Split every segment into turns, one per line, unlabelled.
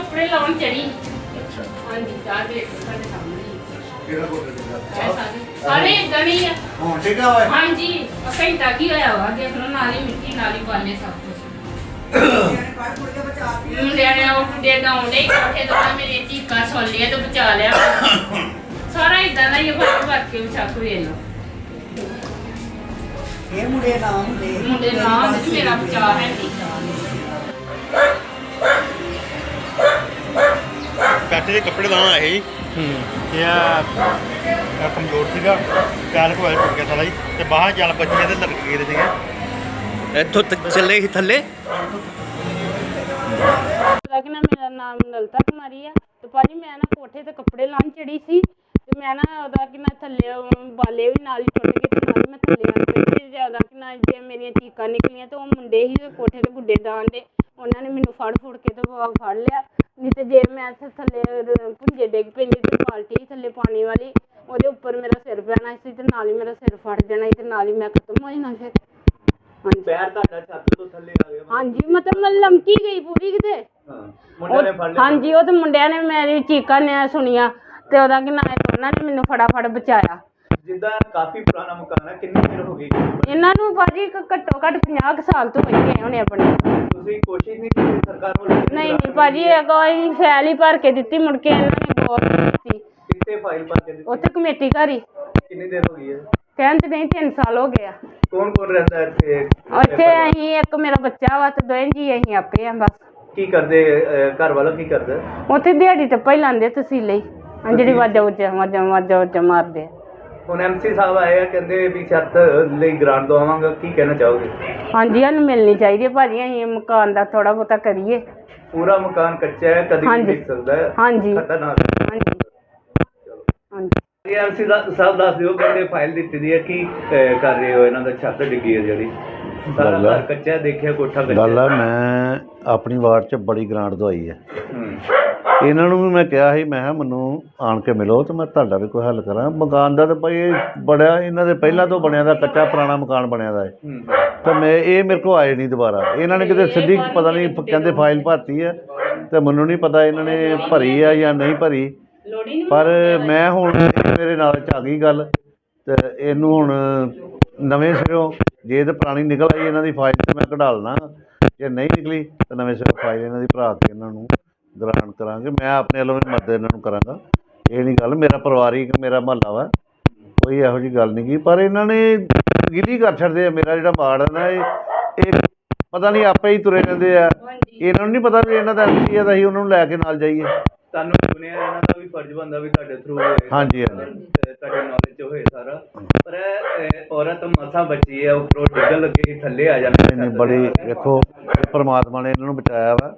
ਕੱਪੜੇ ਲਾਉਣ ਚੜੀ।
ਅੱਛਾ
ਹਾਂਜੀ ਚਾਹ ਦੇ ਸਾਡੇ ਸਾਹਮਣੇ
ਕਿਹੜਾ ਕੋਟੇ ਦੇ
ਸਾਰੇ ਇਦਾਂ ਹੀ ਆ।
ਹਾਂ ਠੀਕ ਆ ਓਏ
ਹਾਂਜੀ ਘੰਟਾ ਕੀ ਹੋਇਆ ਵਾ ਦੇਖ ਲਓ ਨਾਲ ਹੀ ਮਿੱਟੀ ਨਾਲ ਹੀ ਬਾਲੇ ਸਭ ਕੁਝ ਮੁੰਡਿਆਂ ਨੇ ਉਹ ਮੁੰਡੇ ਡਾਉਂਦੇ ਕੋਠੇ ਤੋਂ ਮੇਰੇ ਚੀਕਾਂ ਸੁਣ ਲਿਆ ਤੇ ਬਚਾ ਲਿਆ ਸਾਰਾ ਇਦਾਂ ਦਾ ਹੀ ਫਰਕ ਵਰਤ ਕੇ ਵਿਚਾਕ ਵੇਖ ਲਓ
ਇਹ ਮੁੰਡੇ ਨਾ ਹੁੰਦੇ
ਮੁੰਡੇ ਨਾਲ ਤੇ ਮੇਰਾ ਬਚਾ ਹੈ ਨਹੀਂ
ਕੱਟ ਦੇ ਕੱਪੜੇ ਲਾਉਣ ਆਏ ਸੀ ਤੇ ਆ ਕਮਜ਼ੋਰ ਸੀਗਾ ਚਾਲ ਕੋਲ ਟੁੱਟ ਗਿਆ ਸਾਲਾ ਜੀ ਤੇ ਬਾਹਰ ਚੱਲ ਬੱਚੇ ਤੇ ਲੜਕ ਗਏ ਸੀਗੇ
ਇੱਥੋਂ ਚੱਲੇ ਸੀ ਥੱਲੇ
ਲੇਕਿਨ ਮੇਰਾ ਨਾਮ ਨਲਤਾ ਕੁਮਾਰੀ ਆ ਤੇ ਭਾਜੀ ਮੈਂ ਨਾ ਕੋਠੇ ਤੇ ਕੱਪੜੇ ਲਾਉਣ ਚੜੀ ਸੀ ਤੇ ਮੈਂ ਨਾ ਉਹਦਾ ਕਿ ਨਾ ਥੱਲੇ ਬਾਲੇ ਵੀ ਨਾਲ ਹੀ ਟੁੱਟ ਗਏ ਤੇ ਨਾਲ ਮੈਂ ਥੱਲੇ ਆ ਗਈ ਤੇ ਜ਼ਿਆਦਾ ਕਿ ਨਾ ਜੇ ਮੇਰੀਆਂ ਚੀਕਾਂ ਨਿਕਲੀਆਂ ਤੇ ਉਹ ਮੁੰਡੇ ਹੀ ਕੋਠੇ ਤੇ ਗੁੱਡੇ ਦਾਣ ਦੇ ਉਹਨਾਂ ਨੇ ਮੈਨੂੰ ਫੜ ਕੇ ਤੇ ਫੜ ਲਿਆ ਨਹੀਂ ਤੇ ਜੇ ਮੈਂ ਥੱਲੇ ਭੁੰਜੇ ਡਿੱਗ ਪੈਂਦੀ ਤੇ ਬਾਲਟੀ ਥੱਲੇ ਪਾਣੀ ਵਾਲੀ ਉਹਦੇ ਉੱਪਰ ਮੇਰਾ ਸਿਰ ਪੈਣਾ ਸੀ ਤੇ ਨਾਲ ਹੀ ਮੇਰਾ ਸਿਰ ਫੜ ਜਾਣਾ ਸੀ ਤੇ ਨਾਲ ਹੀ ਮੈਂ ਖਤਮ ਹੋ ਜਾਣਾ ਫਿਰ ਹਾਂਜੀ
ਪੈਰ ਤੁਹਾਡਾ ਛੱਤ ਤੋਂ ਥੱਲੇ ਆ ਗਿਆ
ਹਾਂਜੀ ਮਤਲਬ ਮੈਂ ਲਮਕੀ ਗਈ ਪੂਰੀ ਕਿਤੇ
ਹਾਂ ਮੁੰਡੇ ਨੇ ਫੜ ਲਿਆ
ਹਾਂਜੀ ਉਹ ਤੇ ਮੁੰਡਿਆਂ ਨੇ ਮੇਰੀ ਚੀਕਾਂ ਨੇ ਸੁਣੀਆਂ ਤੇ ਉਹਦਾ ਕਿ ਨਾ ਉਹਨਾਂ ਨੇ ਮੈਨੂੰ ਫਟਾਫਟ ਬਚਾਇਆ
ਜਿੱਦਾਂ ਕਾਫੀ ਪੁਰਾਣਾ ਮਕਾਨ ਹੈ ਕਿੰਨੀ ਦੇਰ ਹੋ ਗਈ
ਇਹਨਾਂ ਨੂੰ ਭਾਜੀ ਘੱਟੋ ਘੱਟ 50 ਕੁ ਸਾਲ ਤੋਂ ਹੋਈ ਗਏ ਹੋਣੇ ਆਪਣੇ
ਤੁਸੀਂ ਕੋਸ਼ਿਸ਼ ਨਹੀਂ ਕੀਤੀ ਸਰਕਾਰ ਵੱਲੋਂ
ਨਹੀਂ ਨਹੀਂ ਭਾਜੀ ਇਹ ਕੋਈ ਫੈਲ ਹੀ ਭਰ ਕੇ ਦਿੱਤੀ ਮੁੜ ਕੇ ਇਹਨਾਂ ਨੇ ਗੌਰ ਨਹੀਂ ਦਿੱਤੀ
ਕਿੱਥੇ ਫਾਈਲ ਪਾ ਕੇ ਦਿੱਤੀ
ਉੱਥੇ ਕਮੇਟੀ ਘਰ ਹੀ
ਕਿੰਨੀ ਦੇਰ ਹੋ ਗਈ ਹੈ
ਕਹਿਣ ਤੇ ਨਹੀਂ 3 ਸਾਲ ਹੋ ਗਏ ਆ
ਕੌਣ ਕੌਣ ਰਹਿੰਦਾ ਹੈ ਇੱਥੇ
ਉੱਥੇ ਅਸੀਂ ਇੱਕ ਮੇਰਾ ਬੱਚਾ ਵਾ ਤੇ ਦੋਵੇਂ ਜੀ ਅਸੀਂ ਆਪੇ ਆ ਬਸ
ਕੀ ਕਰਦੇ ਘਰ ਵਾਲਾ ਕੀ ਕਰਦਾ
ਉੱਥੇ ਦਿਹਾੜੀ ਤੇ ਪਹਿਲਾਂ ਲਾਉਂਦੇ ਤਸੀਲੇ ਹੀ ਜਿਹੜੀ ਵਾਜਾ ਮਾਰਦੇ ਆ
ਹੁਣ ਐਮਸੀ ਸਾਹਿਬ ਆਏ ਆ ਕਹਿੰਦੇ ਵੀ ਛੱਤ ਲਈ ਗ੍ਰਾਂਟ ਦਵਾਵਾਂਗਾ ਕੀ ਕਹਿਣਾ ਚਾਹੋਗੇ
ਹਾਂਜੀ ਸਾਨੂੰ ਮਿਲਣੀ ਚਾਹੀਦੀ ਹੈ ਭਾਜੀ ਅਸੀਂ ਮਕਾਨ ਦਾ ਥੋੜਾ ਬਹੁਤਾ ਕਰੀਏ
ਪੂਰਾ ਮਕਾਨ ਕੱਚਾ ਹੈ ਕਦੀ ਵੀ
ਹਾਂਜੀ।
ਡਿੱਗ ਸਕਦਾ ਹੈ
ਹਾਂਜੀ
ਖਤਰਨਾਕ ਹੈ।
ਹਾਂਜੀ ਹਾਂਜੀ
ਐਮਸੀ ਸਾਹਿਬ ਦੱਸ ਦਿਓ ਕਹਿੰਦੇ ਫਾਈਲ ਦਿੱਤੀ ਦੀ ਹੈ ਕੀ ਕਰ ਰਹੇ ਹੋ ਇਹਨਾਂ ਦਾ ਛੱਤ ਡਿੱਗੀ ਹੈ ਜਿਹੜੀ ਸਾਰਾ
ਗੱਲ ਆ।
ਘਰ ਕੱਚਾ ਹੈ ਦੇਖਿਆ ਕੋਠਾ ਕੱਚਾ
ਗੱਲ ਆ ਮੈਂ ਆਪਣੀ ਵਾਰਡ 'ਚ ਬੜੀ ਗ੍ਰਾਂਟ ਦਵਾਈ ਹੈ
ਹੂੰ
ਇਹਨਾਂ ਨੂੰ ਵੀ ਮੈਂ ਕਿਹਾ ਸੀ ਮੈਂ ਕਿਹਾ ਮੈਨੂੰ ਆਣ ਕੇ ਮਿਲੋ ਤੇ ਮੈਂ ਤੁਹਾਡਾ ਵੀ ਕੋਈ ਹੱਲ ਕਰਾਂ ਮਕਾਨ ਦਾ ਤਾਂ ਭਾਈ ਇਹ ਬੜਿਆ ਇਹਨਾਂ ਦੇ ਪਹਿਲਾਂ ਤੋਂ ਬਣਿਆ ਦਾ ਕੱਚਾ ਪੁਰਾਣਾ ਮਕਾਨ ਬਣਿਆ ਦਾ ਹੈ
ਹੂੰ
ਤਾਂ ਮੈਂ ਇਹ ਮੇਰੇ ਕੋਲ ਆਏ ਨਹੀਂ ਦੁਬਾਰਾ ਇਹਨਾਂ ਨੇ ਕਿਤੇ ਸਿੱਧੀ ਪਤਾ ਨਹੀਂ ਕਹਿੰਦੇ ਫਾਈਲ ਭਰਤੀ ਹੈ ਤੇ ਮੈਨੂੰ ਨਹੀਂ ਪਤਾ ਇਹਨਾਂ ਨੇ ਭਰੀ ਆ ਜਾਂ ਨਹੀਂ ਭਰੀ ਪਰ ਮੈਂ ਹੁਣ ਮੇਰੇ ਨਾਲ 'ਚ ਆ ਗਈ ਗੱਲ ਤੇ ਇਹਨੂੰ ਹੁਣ ਨਵੇਂ ਸਿਰੋਂ ਜੇ ਤਾਂ ਪੁਰਾਣੀ ਨਿਕਲ ਆਈ ਇਹਨਾਂ ਦੀ ਫਾਈਲ ਤੇ ਮੈਂ ਕਢਾ ਲਣਾ ਜੇ ਨਹੀਂ ਨਿਕਲੀ ਤਾਂ ਨਵੇਂ ਸਿਰੋਂ ਫਾਈਲ ਇਹਨਾਂ ਦੀ ਭਰਾ ਕੇ ਇਹਨਾਂ ਨੂੰ ਗ੍ਰਾਂਟ ਕਰਾਂਗੇ ਮੈਂ ਆਪਣੇ ਵੱਲੋਂ ਵੀ ਮਦਦ ਇਹਨਾਂ ਨੂੰ ਕਰਾਂਗਾ ਇਹ ਨਹੀਂ ਗੱਲ ਮੇਰਾ ਪਰਿਵਾਰਿਕ ਮੇਰਾ ਮਹੱਲਾ ਵਾ ਕੋਈ ਇਹੋ ਜਿਹੀ ਗੱਲ ਨਹੀਂ ਗੀ ਪਰ ਇਹਨਾਂ ਨੇ ਗਿਲੀ ਕਰ ਛੱਡਦੇ ਆ ਮੇਰਾ ਜਿਹੜਾ ਵਾਰਡ ਹੈ ਨਾ ਇਹ ਪਤਾ ਨਹੀਂ ਆਪੇ ਹੀ ਤੁਰੇ ਰਹਿੰਦੇ ਆ ਇਹਨਾਂ ਨੂੰ ਨਹੀਂ ਪਤਾ ਵੀ ਇਹਨਾਂ ਦਾ ਐਮਸੀ ਆ ਤਾਂ ਅਸੀਂ ਉਹਨਾਂ ਨੂੰ ਲੈ ਕੇ ਨਾਲ ਜਾਈਏ
ਤੁਹਾਨੂੰ ਸੁਣਿਆ ਇਹਨਾਂ ਦਾ ਵੀ ਫਰਜ਼ ਬਣਦਾ ਵੀ ਤੁਹਾਡੇ ਥਰੂ ਹੋਏ
ਹਾਂਜੀ ਹਾਂਜੀ
ਤੁਹਾਡੇ ਨੌਲੇਜ 'ਚ ਹੋਏ ਸਾਰਾ ਪਰ ਇਹ ਔਰਤ ਮਸਾਂ ਬਚੀ ਹੈ ਉੱਪਰੋਂ ਡਿੱਗਣ ਲੱਗੇ ਕਿ ਥੱਲੇ ਆ ਜਾਂਦੇ
ਨਹੀਂ ਬੜੀ ਵੇਖੋ ਪਰਮਾਤਮਾ ਨੇ ਇਹਨਾਂ ਨੂੰ ਬਚਾਇਆ ਵਾ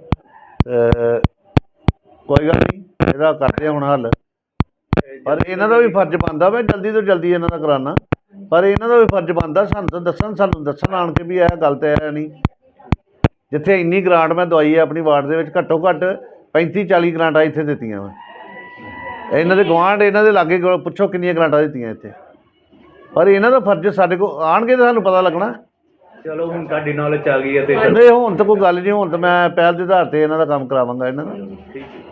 ਕੋਈ ਗੱਲ ਨਹੀਂ ਇਹਦਾ ਕਰਦੇ ਹੁਣ ਹੱਲ ਪਰ ਇਹਨਾਂ ਦਾ ਵੀ ਫਰਜ਼ ਬਣਦਾ ਮੈਂ ਜਲਦੀ ਤੋਂ ਜਲਦੀ ਇਹਨਾਂ ਦਾ ਕਰਾਉਣਾ ਪਰ ਇਹਨਾਂ ਦਾ ਵੀ ਫਰਜ਼ ਬਣਦਾ ਸਾਨੂੰ ਦੱਸਣ ਆਣ ਕੇ ਵੀ ਇਹ ਗੱਲ ਤਾਂ ਹੈ ਨਹੀਂ ਜਿੱਥੇ ਇੰਨੀ ਗ੍ਰਾਂਟ ਮੈਂ ਦਵਾਈ ਹੈ ਆਪਣੀ ਵਾਰਡ ਦੇ ਵਿੱਚ ਘੱਟੋ ਘੱਟ 35-40 ਗ੍ਰਾਂਟਾਂ ਇੱਥੇ ਦਿੱਤੀਆਂ ਵਾ ਇਹਨਾਂ ਦੇ ਗੁਆਂਢ ਇਹਨਾਂ ਦੇ ਲਾਗੇ ਪੁੱਛੋ ਕਿੰਨੀਆਂ ਗ੍ਰਾਂਟਾਂ ਦਿੱਤੀਆਂ ਇੱਥੇ ਪਰ ਇਹਨਾਂ ਦਾ ਫਰਜ਼ ਸਾਡੇ ਕੋਲ ਆਣਗੇ ਤਾਂ ਸਾਨੂੰ ਪਤਾ ਲੱਗਣਾ
ਚਲੋ ਹੁਣ ਤੁਹਾਡੀ ਨੌਲੇਜ ਆ ਗਈ ਹੈ ਤੇ
ਨਹੀਂ ਹੁਣ ਤਾਂ ਕੋਈ ਗੱਲ ਨਹੀਂ ਹੁਣ ਤਾਂ ਮੈਂ ਪਹਿਲ ਦੇ ਆਧਾਰ ਤੇ ਇਹਨਾਂ ਦਾ ਕੰਮ ਕਰਾਵਾਂਗਾ ਇਹਨਾਂ ਦਾ
ਠੀਕ ਹੈ